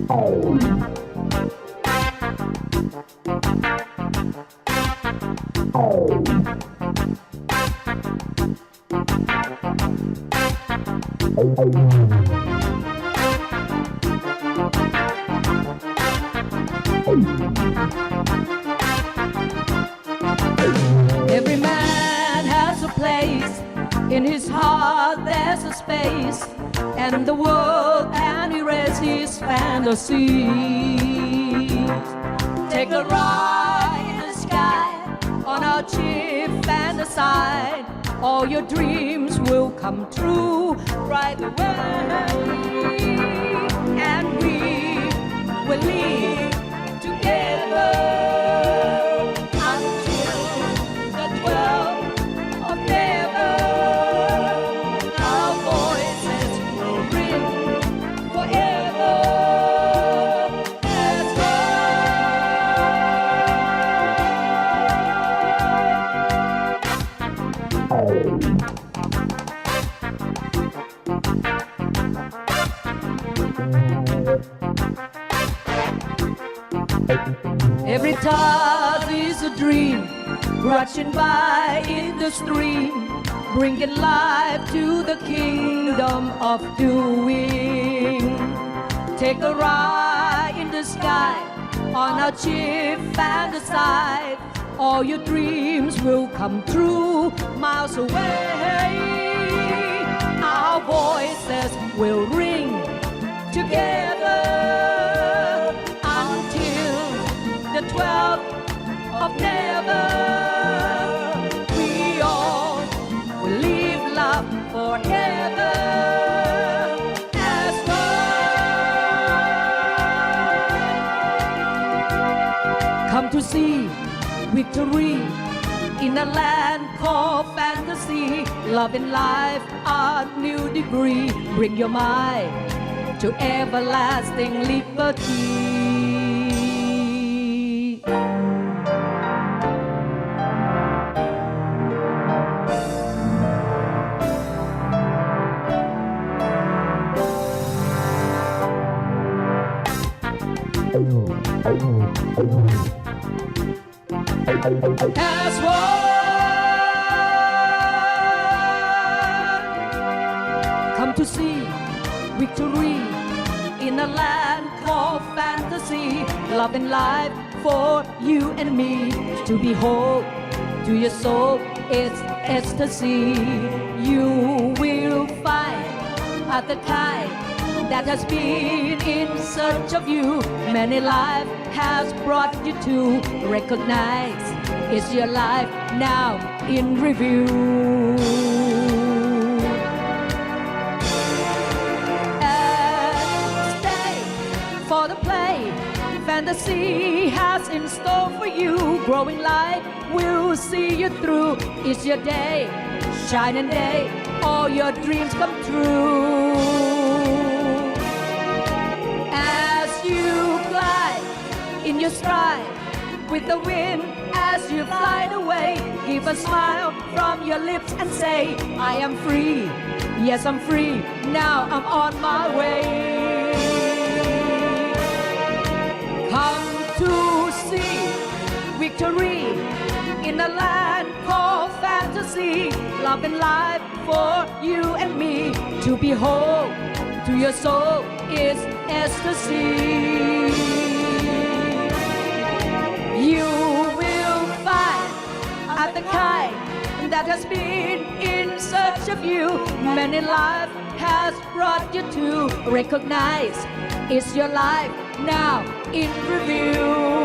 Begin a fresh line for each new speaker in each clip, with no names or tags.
Every man has a place, in his heart there's a space, and the world can erase his fantasies. Take a ride in the sky, on our ship fantasize, all your dreams will come true right away, and we will live together. Every task is a dream, rushing by in the stream, bringing life to the kingdom of doing. Take a ride in the sky, on our ship fantasize, all your dreams will come true miles away. Our voices will ring together until the 12th of never. We all will live love forever as one. Come to see victory in a land called fantasy. Love and life are new degree. Bring your mind to everlasting liberty. As one, come to see victory in a land called fantasy. Love and life for you and me. To behold, to your soul it's ecstasy. You will find at the kind that has been in search of you. Many life has brought you to recognize it's your life now in review. And stay for the play fantasy has in store for you. Growing light will see you through. It's your day, shining day, all your dreams come true. In your stride, with the wind as you fly away, give a smile from your lips and say, I am free, yes I'm free, now I'm on my way. Come to see victory in a land called fantasy. Love and life for you and me. To behold, to your soul is ecstasy. You will find at the kind that has been in search of you. Many life has brought you to recognize it's your life now in review.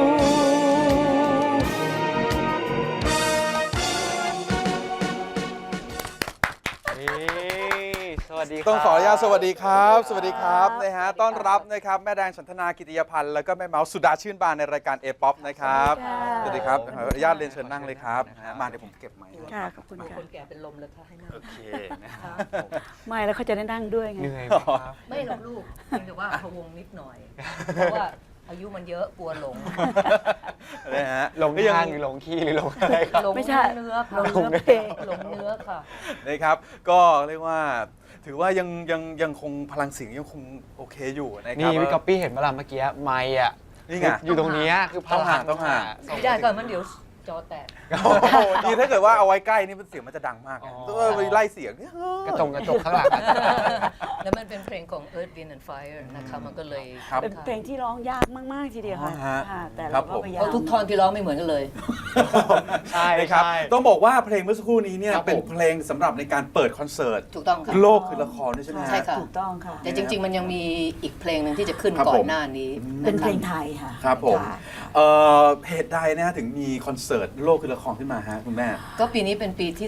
ต้องขออนุญาตสวัสดีครับสวัสดีครับนะฮะต้อนรับนะครับแม่แดงฉันทนากิติยพันธ์แล้วก็แม่เมาส์สุดาชื่นบานในรายการ A-POP นะครับสวัสดีครับขออนุญาตเรียนเชิญนั่งเลยครับมาเดี๋ยวผมเก็บไมค์
ค่ะขอบคุณค่ะ
คนแก่เป็นลมเลยค่ะให้นั่ง
โอเคนะครับ
ไม่แล้วเขาจะได้นั่งด้วยไง
เหนื่อยไหมครับ
ไม่หรอกลูกเพียงแต่ว่าพะวงนิดหน่อยเพราะว่า
อายุมันเยอะกลัวหลง
นะฮะ
หลง
ก็ยั
ทางหรือหลงคีย์หรือหลงอะไรครับ
หลง
ไม่ใช่
เนื้อค่ะ
หลงเนื้อเพลง
หลงเนื้อค่ะ
นะครับก็เรียกว่าถือว่ายังคงพลังเสียงยังคงโอเคอยู่นะค
นี่
รับ
พี่ก๊อปปี้เห็นเวลาเมื่อกี้ไมค์อ่ะ
นี่ไง
อยู่ตรงเนี้ยคือพลัง
ต้องหา
ไม่ได้ก่อนมันเดี๋ยวจอแตก
โอ้โหดีถ้าเกิดว่าเอาไว้ใกล้นี่มันเสียงมันจะดังมาก
อ๋อ
ต้องไปไล่เสียงเนี่ย
กระจกข้างหลังอะ
แล้วมันเป็นเพลงของ Earth Wind and Fire นะคะมันก็เลย
ครับ
เป็นเพลงที่ร้องยากมากๆทีเดียวค่ะ
อ๋อฮะ
ค่ะแต่
ครั
เรา
บ
ก็
ผม
พยายา
เพ
ม
ราะทุกท่อนที่ร้องไม่เหมือนกันเลย
ใช่
นะครับ
ใช่
ต้องบอกว่าเพลงเมื่อสักครู่นี้เนี่ย
ครับผม
เป็นเพลงสำหรับในการเปิดคอนเสิร์ต
ถูกต้องค่ะ
โลกคือละครด้วยใช่ไหมฮะ
ใช่ค่ะ
ถูกต้องค่ะ
แต่จริง ๆ มันยังมีอีกเพลงหนึ่งที่จะขึ้น
ครับ
ก่อ
ผ
น
ม
หน้านี้
เป็นเพลง
ะะ
ไทยค่ะ
ครับผม
ค่ะ
เหตุใดนะฮะถึงมีคอนเสิร์ตโลกคือละครขึ้นมาฮะคุณแม่
ก็ปีนี้เป็นปีที่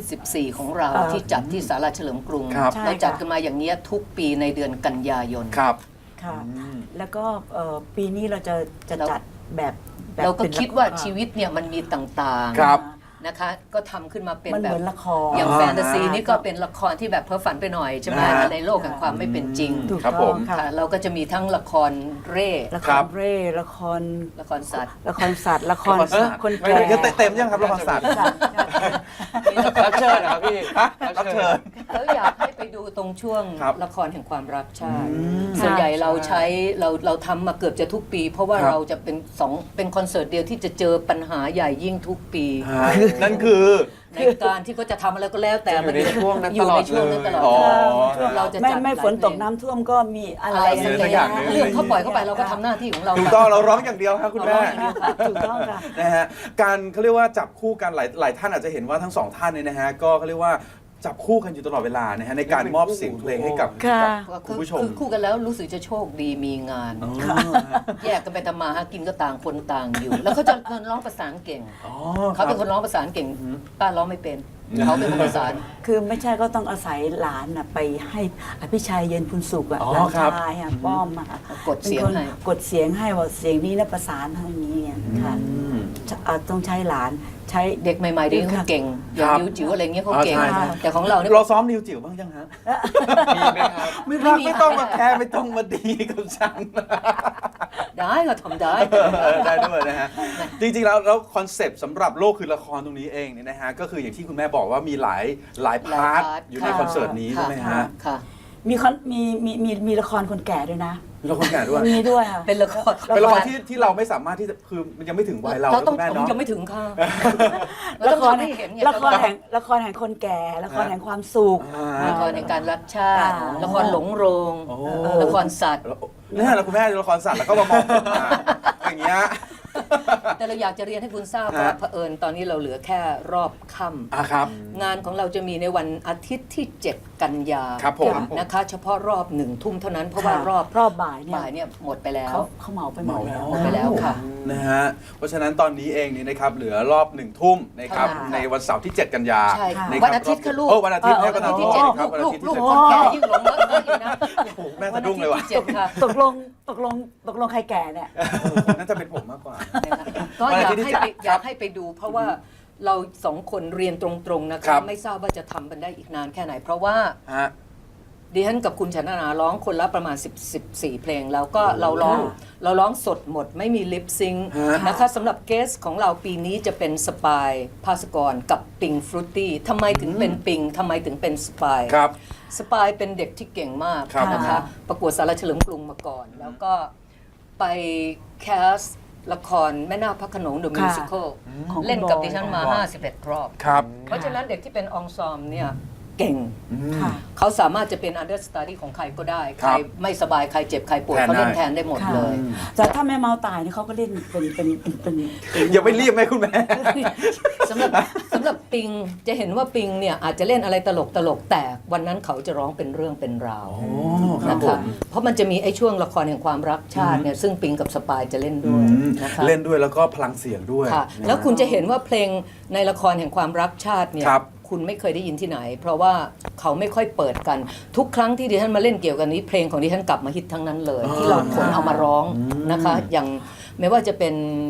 14 ของเรา
เอ่อ
ที่จัดที่ศาลาเฉลิมกรุง
ครับ
ใช่
เราจัด
ค่ะ
กันมาอย่างเนี้ยทุกปีในเดือนกันยายน
ครับ
ค่ะ
อืม
แล้วก็ปีนี้เราจะ
เรา
จัดแบบ
เราก็
ป็น
คิดว่า
ละร
ชีวิตเนี่ยมันมีต่าง
ครับ
นะคะ ก็ทำขึ้นมาเป็น
มัน
แบ
เห
บ
มือนละคร
อย่าง
อ่า
แฟนตาซีนี่ก็เป็นละครที่แบบเพ้อฝันไปหน่อยใช่ไหม
นะฮะ
ในโลกแห่งความไม่เป็นจริง
ถูก
ครับ
ต้
ผ
อง
ม
ค่ะ
ค่ะเราก็จะมีทั้งละครเร่
ละค
ครั
ร
บ
เร่ละคร
ละครสัตว์
ละครสัตว์ละคร
ละครสัตว์
คน
ไม่
แก่
ได้เต็มยังครับละครสัตว์
สัตว์
รับเชิญนะครับพี่
ฮะรับเชิญ
แล้วอยากให้ไปดูตรงช่วง
ครับ
ละครแห่งความรักชาติ
อืม
ส่วนใหญ่เรา
ใช่
ใช้เราทำมาเกือบจะทุกปี เพราะว่า
ครับ
เราจะเป็นคอนเสิร์ตเดียวที่จะเจอปัญหาใหญ่ยิ่งทุกปี
ฮะนั่นคือ
ในการที่เขาจะทำอะไรก็แล้วแต่
อยู่ในช่วงนั้น
อยู่ในช่วงนั้นตลอด
อ๋อ
เราจะ
ไม่
จัด
ไม่
หลาย
ฝนตก
เพลง
น้ำท่วมก็มีอะไร
อะไร
สั
สั
ก
ก
อ
อย่าง
หนึ่ง
เรื่องเขาปล่อยเข้าไปเราก็ทำหน้าที่ของเรา
ถูกต้องเราร้องอย่างเดียวครับคุณแม่
ถูกต้องค่ะ
นะฮะการเขาเรียกว่าจับคู่กันหลายท่านอาจจะเห็นว่าทั้งสองท่านเนี่ยนะฮะก็เขาเรียกว่าจับคู่กันอยู่ตลอดเวลานะฮะในการมอบเสียงเพลงให้กับ
ค่ะ
กับคุณผู้ชม
คือคู่กันแล้วรู้สึกจะโชคดีมีงาน
อ๋อ
แยกกันไปทำมาหากินก็ต่างคนต่างอยู่ แล้วเขาจะร้องประสานเก่ง
อ๋อ
เขาเป็นคนร้องประสานเก่งป้าร้องไม่เป็นเขาเป็นคนประสาน
คือไม่ใช่ก็ต้องอาศัยหลานน่ะไปให้อภิชัยเย็นพุนสุขอะ
อ๋อ
หลาน
ครับ
ชายอะป้อมอะ
กดเสียงให้
ป็นคนกดเสียงให้ว่าเสียงนี้นะประสานทางนี้อะค่ะ
อืม
ต้องใช้หลานใช้
เด็กใหม่ๆเดี๋ยวนี้เขาเก่งอย่าง
ครับ
นิ้วจิ๋วอะไรเงี้ยเขาเก่ง
ใช่ใช่
แต่ของเราเนี่ย
เราซ้อมนิวจิ๋วบ้างยังฮะ
มีไหมครับ
ไม่รักไม่ต้องมาแคร์ไม่ต้องมาดีกับฉัน
ได้ก็ทำได้
ได้ด้วยนะฮะ จริงๆแล้วคอนเซปต์สำหรับโลกคือละครตรงนี้เองเนี่ยนะฮะก็คืออย่างที่คุณแม่บอกว่ามีหลายพาร์ทอยู่ในคอนเสิร์ตนี้ใช่ไหมฮะ
ค่ะ
มีละครคนแก่ด้วยนะ
มีละครแก่ด้วย
มีด้วยค่ะ
เป็นละคร
เป็นละครที่เราไม่สามารถที่จะคือมันยังไม่ถึงวัยเรา
เราต้อง
คุณแม่เนาะ
ยังไม่ถึงค่ะ
ละคร
ให้เห็นไง
ละครแห่งคนแก่ ละครแห่งความสุข
ละครในการรักชาติ
อ่า
ละครหลงโรง
โอ้
ละครสัตว์
เนี่ยแล้วคุณแม่ละครสัตว์แล้วก็มามองผมมาอย่างเงี้ย
แต่เราอยากจะเรียนให้คุณทราบว่า
ฮะ
เผอิญตอนนี้เราเหลือแค่รอบค่ำ
อ่ะครับ
งานของเราจะมีในวันอาทิตย์ที่ 7 กันยา
ครับผม
นะคะ เฉพาะรอบ1 ทุ่มเท่านั้นเพราะว่ารอบ
บ่ายเนี่ย
บ่ายเนี่ยหมดไปแล้ว
เขาเหมาไปหมดแล้ว
หมดไปแล้วค่ะ
นะฮะเพราะฉะนั้นตอนนี้เองนี่นะครับเหลือรอบ1 ทุ่มนะครับ
ค่ะ
ในวันเสาร์ที่ 7 กันยา
ใช่ค่ะ
ะรับ
วันอาทิตย์ค่ะลูก
วันอาทิตย์ให้วันอาทิตย์
ที่
ที่
เจ็ด
7ครับวันอา
ลูก
ทิตย์
ลู
ที่
ก
7
คนแก่ยิ่งหลงรักเขาอีกนะ
โอ้โหแม่สะดุ้งเลยว่ะ
วันอาทิตย์ที่7ค่ะ
ตกลงใครแก่เนี่ย
น่าจะเป็นผมมากกว่า
ก็อยาก
วันอาทิตย์ที่
ให้ไป
7
อยากให้ไปดู เพราะว่าเราสองคนเรียนตรงๆนะ
ครั
คะ
บ
ไม่ทราบว่าจะทำกันได้อีกนานแค่ไหน เพราะว่า
ฮะ
ดิฉันกับคุณชนนาร้องคนละประมาณ14 เพลง แล้วก็เราร้องสดหมดไม่มีลิปซิงค์
ฮะ
นะคะสำหรับเกสของเราปีนี้จะเป็นสปายภาสกรกับปิงฟรุตตี้ทำไมถึงเป็นปิงทำไมถึงเป็นสปาย
ครับ
สปายเป็นเด็กที่เก่งมาก
ครับ
นะคะ ประกวดสารเฉลิมกรุงมาก่อน แล้วก็ไปแคสละครแม่นาคพระโขนงเดอะมิวสิควล
ของคุณ
เล่นกับ
บอย
ดิฉันมา 51 รอบ
ครับ
เพราะฉะนั้นเด็กที่เป็นองซอมเนี่ยเก่ง
ค่ะ
เขาสามารถจะเป็น understudy ของใครก็ได้
ค
ใค
รั
ร
บ
ไม่สบาย ใครเจ็บ ใครปวด
แทน
เขาเล่น
ได้
แทนได้หมด
ค่ะ
เลย
แต่ถ้าแม่เมาตายเนี่ยเขาก็เล่นเป็น
อย่าไปรีบไหมคุณแม่
สำหรับปิงจะเห็นว่าปิงเนี่ยอาจจะเล่นอะไรตลกแต่วันนั้นเขาจะร้องเป็นเรื่องเป็นราว
ครับ
นะ
ผ
คะ
ม
เพราะมันจะมีไอ้ช่วงละครแห่งความรักชาติเนี่ยซึ่งปิงกับสปายจะเล่นด้วยนะคะ
เล่นด้วยแล้วก็พลังเสียงด้วย
ค่ะ
นะ
แล้วคุณจะเห็นว่าเพลงในละครแห่งความรักชาติเนี่ย
ครับ
คุณไม่เคยได้ยินที่ไหน เพราะว่าเขาไม่ค่อยเปิดกัน ทุกครั้งที่ดิฉันมาเล่นเกี่ยวกับนี้เพลงของดิฉันกลับมาฮิตทั้งนั้นเลย ที่เราขนเอามาร้องนะคะ อย่างไม่ว่าจะเป็น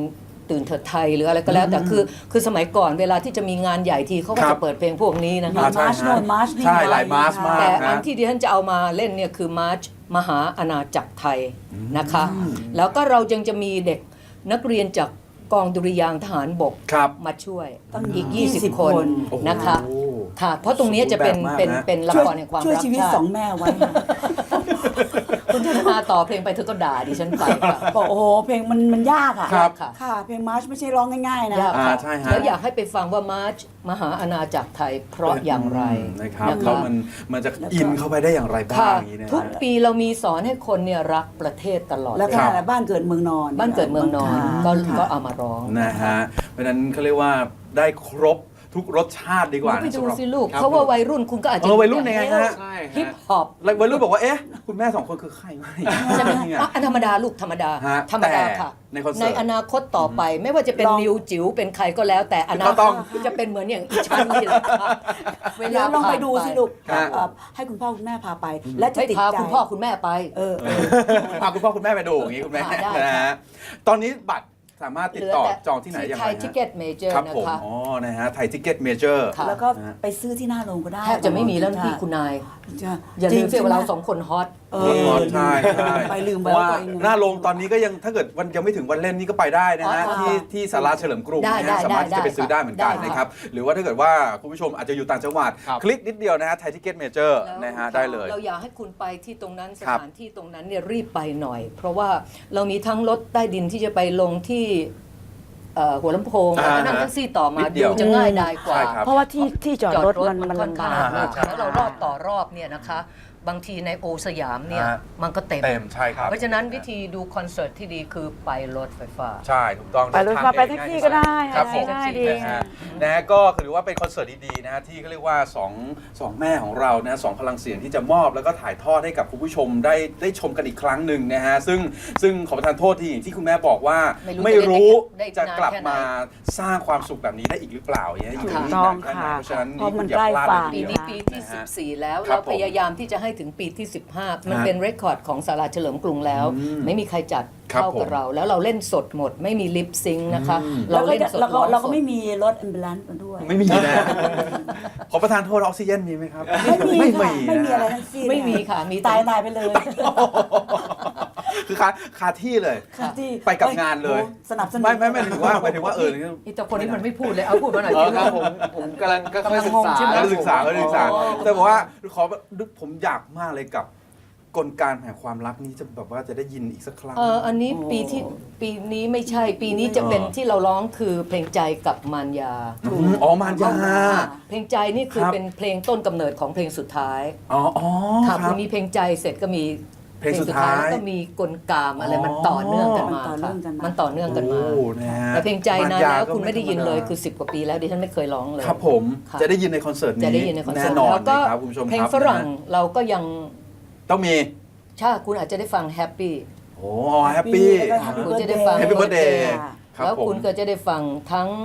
ตื่นเถิดไทยหรืออะไรก็แล้ว แต่คือสมัยก่อนเวลาที่จะมีงานใหญ่ทีเขาก็
ครั
จะ
บ
เปิดเพลงพวกนี้นะคะ
ใช่
มาร์ช
ฮะ
โนนมาร์ชนี่
ใช่หลายมาร์ชมาก
แต่อั
ฮะ
นที่ดิฉันจะเอามาเล่นเนี่ยคือมาร์ชมหาอาณาจักรไทยนะคะ แล้วก็เรายังจะมีเด็กนักเรียนจากกองดุริยางค์ทหารบก
ครับ
มาช่วย
ตั้ง
อีก
20
20 คน
คน
นะคะ
โอ้
ค่ะ เพราะตรงนี้จะเป็น
สมบูรณ์แบบมาก
เป็น
นะ
เป็นละ
ช่วย
ครแห่งความ
ช่วย
รัก
ชีวิต
ชาติ
สองแม่ไว้ค่ะ
คุณธนาต่อเพลงไปเธอก็ด่าดิฉันไปค่ะ
บอกโอ้โหเพลงมันยากอ่ะ
ครับ
ค่ะ
ค่ะ เพลงมาร์ชไม่ใช่ร้องง่ายๆนะ
ยาก
อ่า
ค่ะ
ใช่ฮะ
แล้วอยากให้ไปฟังว่ามาร์ชมหาอาณาจักรไทยเพราะอย่างไร
นะครับ
นะ
แล้ว
คะ
มันจะอินเข้าไปได้อย่างไรบ้าง
ค่ะ
อย่างนี้นะ
ทุกปีเรามีสอนให้คนเนี่ยรักประเทศตลอด
แล้วก็
ครับ
บ้านเกิดเมืองนอน
บ้านเกิดเมืองนอน
ค่ะ
ก็เอามาร้อง
นะฮะเพราะฉะนั้นเขาเรียกว่าได้ครบทุกรสชาติดีกว่า
ไปดู
สำหรับ
สิลูก
ครับ
เพราะว่าวัยรุ่นคุณก็อาจจะ
วัยรุ่นยังไงฮะ
ใช่ฮะ
ฮิปฮอป
แล้ววัยรุ่นบอกว่าเอ๊ะคุณแม่สองคนคือใครวะ
ใช่ไหม
เนี่ย
อ่ะอันธรรมดาลูกธรรมดา
ฮะ
ธรรมดา
แต่
ค่ะ
ในคอนเสิร์ต
อนาคตต่อไป ไม่ว่าจะเป็น
ลอง
นิวจิ๋วเป็นใครก็แล้ว แต่อนา
ก็
ค
ต้
ต
อง
จะเป็นเหมือนอย่างอีชั้นนี่แหละค่ะเว
เดี๋
ลา
ยวลองไปดูสิลูก
ครับ
ให้คุณพ่อคุณแม่พาไป และจะ
ให้
ติด
พา
ใจ
คุณพ่อคุณแม่ไป
พาคุณพ่อคุณแม่ไปดูอย่างนี้คุณแม่
ได้
นะฮะตอนนี้บัตรสามารถติดต่อจองที่ไหนอย่าง
ไท
ไร
ยทิเก็ตเมเจอร์
ครับ
นะ
ผม
คะ
อ๋อนะฮะไทยทิเก็ตเมเจอร์
ค่ะ
แล้วก็ไปซื้อที่หน้าโรงก็ได้
แทบจะไม่มีแล้วนะพี่คุณนาย
จะ
อย่าลืม
จ
เสีย
งๆ
เวลา
ใช่ไหม
สองคนฮอต
เอ
ใช่ใช่
ไปลืม
เพ
ไป
ราะ
ว่า
ว่า
ตัวเอง
หน้าโรงตอนนี้ก็ยังถ้าเกิดวันยังไม่ถึงวันเล่นนี่ก็ไปได้นะฮะ
อ๋อ
ที่ศาลาเฉลิมกรุง
ได้
นะฮะสามารถที่จะไปซื้อได้เหมือนกัน
ได้
นะครับ หรือว่าถ้าเกิดว่าคุณผู้ชมอาจจะอยู่ต่างจังหวัด
ครับ
คลิกนิดเดียวนะฮะไทยทิเก็ตเมเจอร์
แล้ว
นะฮะได้เลย
เราอยากให้คุณไปที่ตรงนั้นส
ครับ
ถานที่ตรงนั้นเนี่ยรีบไปหน่อย เพราะว่าเรามีทั้งรถใต้ดินที่จะไปลงที่หัวลำโพง
อ่า
แล้วก็นั่งแท็กซี่ต่อมา
นิดเดียว
ดูจะง่ายดายกว่า
ใช่ครับ
เพราะว่าที่จอดรถมัน
ค่อน
ลำ
ข้า
บาง ก
มาก
ใช่
แล้วเรารอบต่อรอบเนี่ยนะคะ บางทีในโอสยามเนี่ย
ฮะ
มันก็เต็ม
เต็มใช่ครับ
เพราะฉะนั้นวิธีดูคอนเสิร์ตที่ดีคือไปรถไฟฟ้า
ใช่ถูกต้อง
ไปรถไฟฟ้าไปแท็กซี่ก็ได้
ครับผม
ได้ดี
นะฮะนะฮะก็ถือว่าเป็นคอนเสิร์ตดีๆนะฮะที่เขาเรียกว่าสองแม่ของเรานะสองพลังเสียงที่จะมอบแล้วก็ถ่ายทอดให้กับคุณผู้ชมได้ชมกันอีกครั้งหนึ่งนะฮะซึ่งขอประทานโทษที่อย่างที่คุณแม่บอกว่า
ไม่รู้
ไม่รู้
ได้
จะ
นาน
กลับ
แค่ไหน
มาสร้างความสุขแบบนี้ได้อีกหรือเปล่าอย่างเงี้ยอยู่
ถูก
ที่
ต้อง
นานแค่ไหน
ค่ะ
เพราะฉะนั้น
เพราะมัน
อย่าพลาด
ใกล้ฝั่ง
ปี
เลย
นี้
ที
ปี
เดียว
ที่
นะฮะ
14 แล้ว
ครั
เรา
บผม
พยายามที่จะให้ถึงปีที่ 15 มัน
ฮะ
เป็นเรคคอร์ดของศาลาเฉลิมกรุงแล้ว ไม่มีใครจัด
ครับ
เท่ากับ
ผม
เรา แล้วเราเล่นสดหมด ไม่มีลิปซิงค์นะคะ
เรา
เรา
เล่
เล่
น
นสด
เราก็
ร้อง
เราก็
สด
ไม่มีรถแอมบูเลนซ์มาด้วย
ไม่มีนะขอประทานโทษออกซิเจนมีไหมครับ
ไม่มีค่ะไม่มี
น
อะไรทั้งสิ้น
ไม่มีค่ะมีแต่
ตายไปเลย
คือคาที่เลย
ค่ะที่
ไปกับงานเลย
โอ้สนับสนุน
ไม่หมายถึงว่า
อีแต่คนนี้มันไม่พูดเลย เอาพูดมาหน่อย
อ๋อ
สิ
ครับผมกำลังก็ค่อยศึกษา
ใช่ไหม
ก็ศึกษา
อ๋อ
แต่บอกว่าผมอยากมากเลยกับกลการแห่งความรักนี้จะแบบว่าจะได้ยินอีกสักครั้ง
อันนี้ปีนี้ไม่ใช่ ปีนี้จะเป็นที่เราร้องคือเพลงใจกับมารยา
อ๋อมารยา
เพลงใจนี่คือ
ครับ
เป็นเพลงต้นกำเนิดของเพลงสุดท้าย
อ๋อ
ค่ะ
ครั
พ
บ
อมีเพลงใจเสร็จก็มี
เพลงสุดท้าย
แล้วก็มีกลกามอะไรมันต่อเนื่องกันมา
มันต่อเนื่องกันมา
มันต่อเนื่องกันมา
โอ้นะฮะ
แต่เพลงใจนานแล้ว
ก็
คุณไม่ได้ยินเลย
ธรรมดา
คือ10 กว่าปีแล้วดิฉันไม่เคยร้องเลย
ครับผม
ค่ะ
จะได้ยินในคอนเสิร์ตนี้
จะได้ยินในคอนเสิร์ต
แน่นอน
แล้วก็
นะครับคุณผู้ชมครับ
เพลงฝรั่งเราก็ยัง
ต้องมี
ใช่คุณอาจจะได้ฟังแฮปปี้
โอ้แฮปปี้
แล้วก็ Happy
คุณจะได้ฟัง
Happy Birthday ครับ
แล้ว
ผม
คุณก็จะได้ฟังทั้ง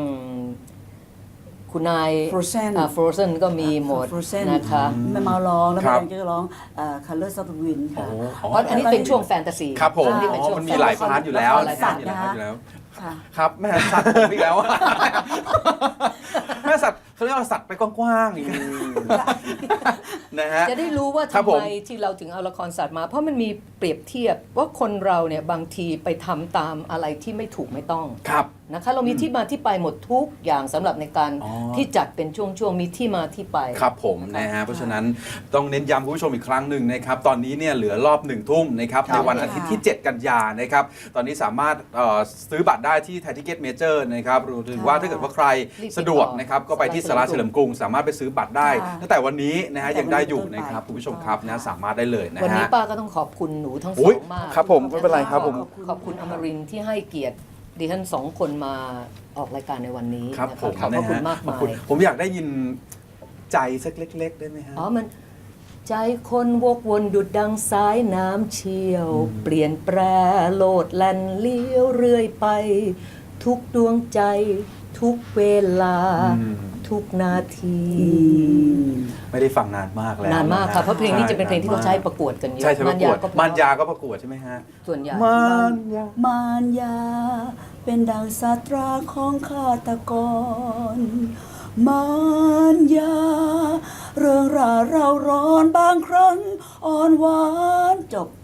คุณนาย
Frozen
Frozen ก็มีหมด
Frozen
นะคะ
แม่เมาร้องแล้ว
ครั
แม่
บ
แดงก็ร้อง Colors of the Wind ค่ะ
เพราะอันนี้เป็นช่วงแฟนตาซี
ครับผม
อันนี้เป็นช่วง
มันมีหลายพาร์ทอยู่แล้ว
ละครสัตว์นะคะ ค่ะ
ครับแม่สัตว์ผมอีกแล้ว แม่สัตว์เขาเรียกว่าสัตว์ไปกว้างๆอีกนะฮะ
จะได้รู้ว่า
ครับ
ทำ
ผม
ไมที่เราถึงเอาละครสัตว์มา เพราะมันมีเปรียบเทียบว่าคนเราเนี่ยบางทีไปทำตามอะไรที่ไม่ถูกไม่ต้อง
ครับ
นะคะ เรามีที่มาที่ไปหมดทุกอย่างสำหรับในการ
อ๋อ
ที่จัดเป็นช่วงๆมีที่มาที่ไป
ครับผมนะฮะเพราะฉะนั้นต้องเน้นย้ำคุณผู้ชมอีกครั้งหนึ่งนะครับตอนนี้เนี่ยเหลือรอบ1 ทุ่มนะครับในวันอาทิตย์ที่ 7 กันยานะครับตอนนี้สามารถซื้อบัตรได้ที่ไทยทิเก็ตเมเจอร์นะครับหรือว่าถ้าเกิดว่าใคร
รีบติดต่อ
สะดวกนะครับก็ไปที่ศาลาเฉลิมกรุงสามารถไปซื้อบัตรได้
ค่ะ
ตั้งแต่วันนี้นะฮะยังได้อยู่
ตั้งแต่
นะครับ
วันนี้
คุณผู้ชมครับนะสามารถได้เลยนะ
วันนี้
ฮะ
ป้าก็ต้องขอบคุณหนูทั้งส
อุ๊
อย งมาก
ครับผมไม่เป็นไรครับผม
ขอบคุณอมรินทร์ที่ให้เกียรติดิฉันสองคนมาออกรายการในวันนี้
ครับ
นะะ
ผม
ขอบพระคุณมาก
ขอบ
มาย
คุณผมอยากได้ยินใจสักเล็ก ๆ ได้ไหมฮะ
อ๋อมันใจคนวกวนดุดดังสายน้ำเชี่ยว เปลี่ยนแปรโลดแล่นเลี้ยวเรื่อยไป ทุกดวงใจ ทุกเวลา
อืม
ทุทุกนาที
ไม่ได้ฟังนานมากแล้ว
นานมากค่ะเพราะเพลงนี้จะเป็นเพลงที่เขาใช้
ป
ประ ระกวดกันเยอะ
ใช่ใช่ประกวด
ก็
มันยาก็ประกวดใช่ไหมฮะ
ส่วนใหญ่
มันยา
มารยาเป็นดังสัตราของฆาตกร มารยา เรื่องราวเราร้อนบางครั้งอ่อนหวานจบ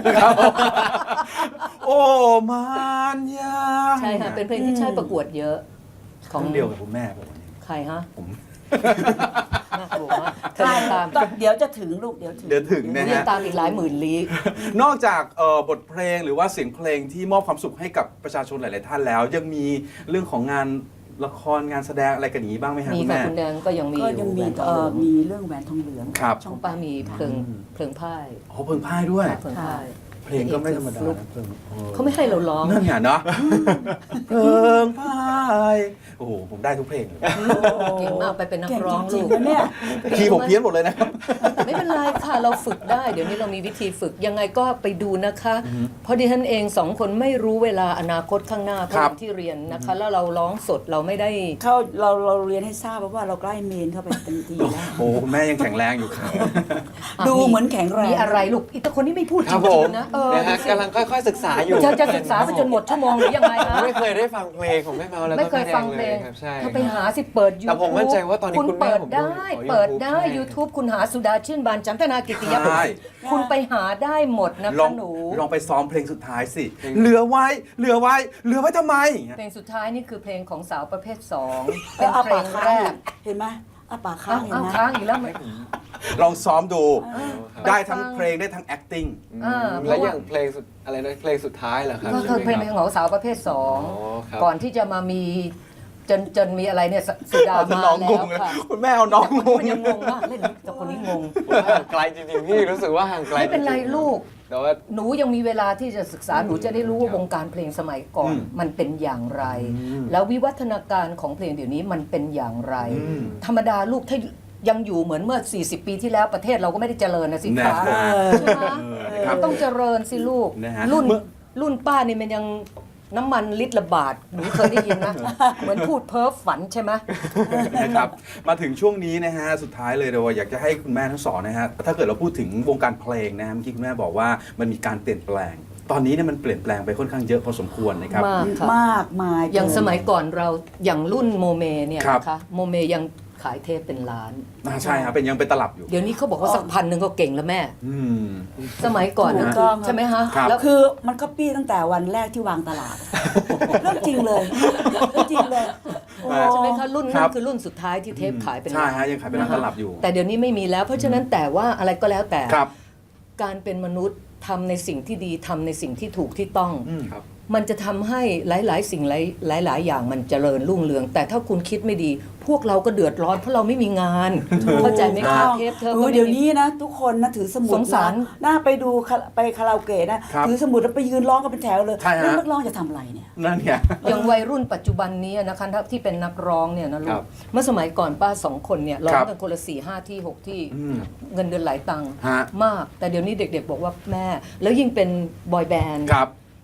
โอ้มันยา
ใช่ค่ะเป็นเพลงที่ใช้ประกวดเยอะ
ของเดียวกับคุณแม่ผมวันนี้
ใครฮะ
ผม
น่ากลัวมากเคยตาม
เดี๋ยวจะถึงลูกเดี๋ยวถึง
เดี๋ยวถึงนะ
เรียน
ฮะ
ตามอีกหลายหมื่นลี้
นอกจากบทเพลงหรือว่าเสียงเพลงที่มอบความสุขให้กับประชาชนหลาย ๆ ท่านแล้ว ยังมีเรื่องของงานละครงานแสดงอะไรกันอย่างนี้บ้างไหมฮะ
มี
คุณ
ค่ะ
แม่
คุณแดงก็ยังมี
ก็
อ
ยัง
ยู่
มี
แหวนทองเหลือง
มีเรื่องแหวนทองเหลือง
ครับ
ช่องป้ามีเพลิงพ่าย
อ๋อเพลงพ่ายด้วย
เพลิงพ่าย
เพลงก็ไม่ธรรมดานะเพลง
เขาไม่ให้เราร้อง
นั่นไงเนาะเพลงพ่ายโอ้โหผมได้ทุกเพลงเลย
เก่งมากไปเป็นนัก
เก่ง
ร้อง
จริ
ลู
ง
ก
ๆนะเนี่ย
คีย์ผมเพี้ยนหมดเลยนะครับ
แต่ไม่เป็นไรค่ะเราฝึกได้เดี๋ยวนี้เรามีวิธีฝึกยังไงก็ไปดูนะคะ เพราะดิฉันเองสองคนไม่รู้เวลาอนาคตข้างหน้าเพราะ
ครับ
ที่เรียนนะคะ แล้วเราร้องสดเราไม่ได้
เราเรียนให้ทราบว่าเราใกล้เมนเข้าไปเต็มทีแล้ว
โอ้คุณแม่ยังแข็งแรงอยู่ครับ
ดูเหมือนแข็งแรง
มีอะไรลูกอีตาคนนี้ไม่พูด
ค
จ
รับผ
ริง
ม
ๆนะ
นะฮะ
ดูสิ
กำลังค่อยๆศึกษาอยู่
จะศึกษาไปจนหมดชั่วโมงหรือยังไงคะ
ไม่เคยได้ฟังเพลงของแม่เมาแล้วก็
ไม่เคยฟังเพลง
แม่แดครับใช่
ถ้าไปหาสิเปิดยู
แต่ผมมั่นใจว่าตอนนี้
คุณ
คุณแม่
เปิด
ผมดู
ได้
อ๋อ
เปิด
YouTube
ได้
ใช่
YouTube คุณหาสุดาชื่นบานจันทนากิติย
ใช่
คุณไปหาได้หมดนะ
ลอ
คะ
ง
หนู
ลองไปซ้อมเพลงสุดท้ายสิ เหลือไว้ เหลือไว้ เหลือไว้ทำไมอย่างเงี้ย
เพลงสุดท้ายนี่คือเพลงของสาวประเภท2
เอ
เป็น
ออา
เพล
ปาก
ง
ค้าง
แรก
เห็นไหมอาปากค้า
อ้าง ว
เห็น
อ้าว
ไหม
ค้างอีกแล้วไหม
ลองซ้อมดู
ไป
ได้ทั้ง
ฟัง
เพลงได้ทั้ง acting
แล้วอย่างเพลงสุดอะไรนะเพลงสุดท้ายเหรอครับ
ก็คือเพลง
ใช่ไหม
ของสาวประเภท
ครับ
2 ก่อนที่จะมามีจนมีอะไรเนี่ยสุดา
เอา
มา
น้องง
แล้ว
งเลย
ค่ะ
คุณแม่เอาน้องงง
มันยังงงมากเล่นแต่คนนี้งง
ผมว่าห่างไกลจริงๆพี่รู้สึกว่าห่างไกล
ไม่เป็นไร
จงๆ
ลูก
แต่ว่า
หนูยังมีเวลาที่จะศึกษาหนูจะได้รู้ว่าวงการเพลงสมัยก่อนมันเป็นอย่างไร แล้ววิวัฒนาการของเพลงเดี๋ยวนี้มันเป็นอย่างไร ธรรมดาลูกถ้ายังอยู่เหมือนเมื่อ 40 ปีที่แล้วประเทศเราก็ไม่ได้เจริญนะสิ
นะ
คะ
ครับ
ใช่ไหม
ครับ
ต้องเจริญสิลูก
นะฮะ
รุ่นป้านี่มันยังน้ำมันลิตรละบาทหนูเคยได้ยินนะ เหมือนพูดเพ้อฝันใช่ไหม
นะครับมาถึงช่วงนี้นะฮะสุดท้ายเลยเราอยากจะให้คุณแม่ทั้งสองนะฮะถ้าเกิดเราพูดถึงวงการเพลงนะฮะเมื่อกี้คุณแม่บอกว่ามันมีการเปลี่ยนแปลง ตอนนี้เนี่ยมันเปลี่ยนแปลงไปค่อนข้างเยอะพอสมควรนะครับ
มากค่ะ
มากมาย
อย่างสมัยก่อนเราอย่างรุ่นโมเมเนี่ย
ครับ
นะคะโมเมยังขายเทปเป็นล้าน
ใช่ครับเป็นยังเป็นตลับอยู่
เดี๋ยวนี้เขาบอกว่าสัก1,000ก็เก่งแล้วแม่
อืม
สมัยก่อน
ถู
นะ
กต้อง
ใช่ไหมฮะ
ครับ
แล้ว
คือมันก็ปี้ตั้งแต่วันแรกที่วางตลาด เรื่องจริงเลยเรื่องจริงเลยโอ้
ใช่ไหมคะรุ่น
ครั
นั้
บ
นคือรุ่นสุดท้ายที่เทปขายเป็น
ใช่
ล้าน
ฮะยังขายเป็นร้านตลับอยู่
แต่เดี๋ยวนี้ไม่มีแล้ว เพราะฉะนั้นแต่ว่าอะไรก็แล้วแต่
ครับ
การเป็นมนุษย์ทำในสิ่งที่ดีทำในสิ่งที่ถูกที่ต้อง
ครับ
มันจะทำให้หลาย ๆ สิ่งหลาย ๆ อย่างมันเจริญรุ่งเรือง แต่ถ้าคุณคิดไม่ดี พวกเราก็เดือดร้อนเพราะเราไม่มีงาน เข้าใจไหมคะเทปเธอก็ไม่มี
เดี๋ยวนี้นะ ทุกคนนะถือสมุด
สงสาร
หน้าไปดูไปคาราโอเกะนะ
ครับ
ถือสมุดแล้วไปยืนร้องกันเป็นแถวเลย
ใช่ฮะ
แล้วนักร้องจะทำอะไรเนี่ย
นั่นไง
อย่างวัยรุ่นปัจจุบันนี้นะคะที่เป็นนักร้องเนี่ยนะลู
ครั
ก
บ
เมื่อสมัยก่อนป้า2 คนเนี่ยร้อ
ค
ง
รับ
กันคนละ4-5 ที่ 6 ที่
อืม
เงินเดือนหลายตังค์
ฮะ
มาก แต่เดี๋ยวนี้เด็ก ๆ บอกว่าแม่ แล้วยิ่งเป็นบอยแบนด์
ครับ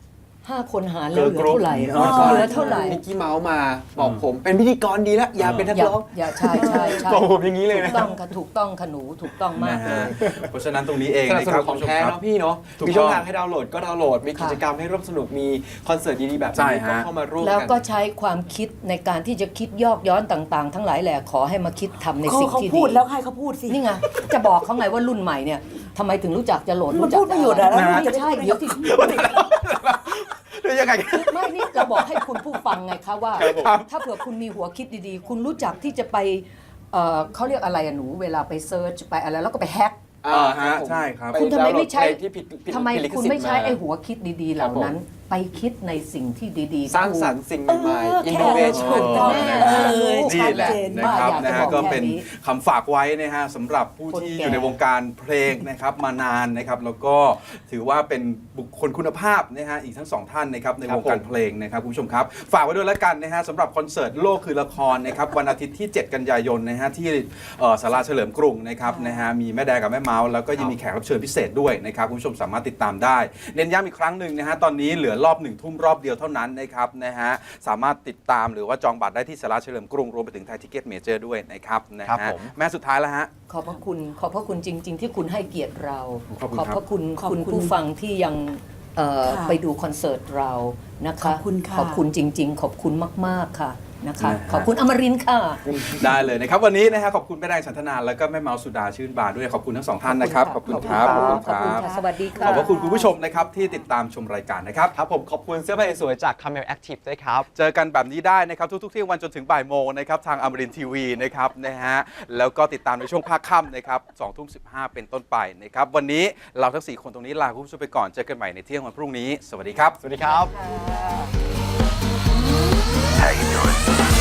5 คนหารแล้วเหลือ
Girl group
เท่าไหร่
อ๋อ
เหลือเท่าไหร่
มิกกี้เมาส์มาบอกผมเป็นพิธีกรดีแล้วอย่าเป็นนักร้อง
อย่าใช่ใช่ใช่
บอกผมอย่างนี้เลย
ถู
นะ
กต้องค่ะถูกต้องค่ะหนูถูกต้องมาก
นะ
เล
ฮะ
ย
เพราะฉะนั้นตรงนี้เอง
สนับ
นะ
ส
ค
นุ
รับ
นของ
คุณผู้ชม
แท้
ครับ
เนาะพี่เนาะ
ถูก
มีช่อง
ต้อง
ทางให้ดาวน์โหลดก็ดาวน์โหลด มีกิจกรรมให้ร่วมสนุก มีคอนเสิร์ตดีๆแบบ
ใช่
นี้ก็
ฮะ
เข้ามาร่วม
แล้ว
กัน
ก็ใช้ความคิดในการที่จะคิดยอกย้อนต่างๆ ทั้งหลายแหละขอให้มาคิดทำในสิ่ง
เขา
ที่
พู
ดี
ดแล้วให้เขาพูดสิ
นี่ไงจะบอกเขาไงว่ารุ่นใหม่เนี่ยทำไมถึงรู้จักจะโหลด
มัน
รู้จัก
พูดไม่หยุดอะแล้ว
ไม่
มันจะ
ใช่
พูดไม่หยุ
เดี๋ยว
ด
ที่
เดี๋ยวยังไง
ไม่นี่เราบอกให้คุณผู้ฟังไงคะว่า
ครับ
ถ้าเผื่อคุณมีหัวคิดดีๆ คุณรู้จักที่จะไปเขาเรียกอะไรอะหนูเวลาไปเซิร์ชไปอะไรแล้วก็ไปแฮก
ฮะใช่ครับ
คุณทำไมไม่ใช้
ปดาวน์โหลดเพลงที่ผิด
ทำไม
ผิดลิข
คุณ
สิทธิ์
ไม่ใช้
า
ไอ้หัวคิดดีๆ เหล่านั้น ไปคิดในสิ่งที่ดีๆ
สร้างสรรค์สิ่งใหม่
เออ
ๆ
แค่
innovation
ถูกต้อง
นี่แหละ
ชัดเจน
นะ
มาก
ครับ
อยากจะ
นะฮะ
บอก
ก็เป็น
แค่นี้
คำฝากไว้นะฮะสำหรับผู้ที่
คนแก่
อยู่ในวงการเพลงนะครับมานานนะครับแล้วก็ถือว่าเป็นบุคคลคุณภาพนะฮะอีกทั้งสองท่านนะครับในวงการเพลงนะครับคุณผู้ชมครับ ฝากไว้ด้วยแล้วกันนะฮะสำหรับคอนเสิร์ตโลกคือละครนะครับวันอาทิตย์ที่ 7 กันยายนนะฮะที่ศาลาเฉลิมกรุงนะครับนะฮะมีแม่แดงกับแม่เมาส์แล้วก็ยังมีแขกรับเชิญพิเศษด้วยนะครับคุณผู้ชมสามารถติดตามได้ เน้นย้ำอีกครั้งหนึ่งนะฮะตอนนี้เหลือรอบ1 ทุ่มรอบเดียวเท่านั้นนะครับนะฮะสามารถติดตามหรือว่าจองบัตรได้ที่สาราเฉลิมกรุงรวมไปถึงไทยทิเก็ตเมเจอร์ด้วยนะครับนะครับ ฮะ
ผม
แม่สุดท้ายแล้วฮะ
ขอบพระคุณจริง ๆ ที่คุณให้เกียรติเรา
ขอบคุณครับ
พระคุณ
ขอบคุ
คุณ ณผู้ฟังที่ยัง
ค่ะ
ไปดูคอนเสิร์ตเรานะคะ
ขอบคุณค่ะ
ขอบคุณจริง ๆ ขอบคุณมากๆค่ะนะคะ
นะฮะ
ขอบคุณอมรินทร์ค่ะ
ได้เลยนะครับวันนี้นะฮะขอบคุณแม่แดงฉันทนาแล้วก็แม่เมาสุดาชื่นบานด้วยขอบคุณทั้งสองท่านนะครับขอบคุณครับ
ขอบคุณค่ะสวัสดีค่ะ
ขอบพระคุณคุณผู้ชมนะครับที่ติดตามชมรายการนะครับ
ครับผมขอบคุณเสื้อผ้าสวยๆจาก Camel Active ด้วยครับ
เจอกันแบบนี้ได้นะครับทุกๆเที่ยงวันจนถึงบ่ายโมงนะครับทางอมรินทีวีนะครับนะฮะแล้วก็ติดตามในช่วงภาคค่ำนะครับ20:15เป็นต้นไปนะครับวันนี้เราทั้ง4คนตรงนี้ลาคุณผู้ชมไปก่อนเจอกันใหม่ในเที่ยงวันพรุ่งนี้สวัสดีครับ
สวัสดีครับ
How you doing?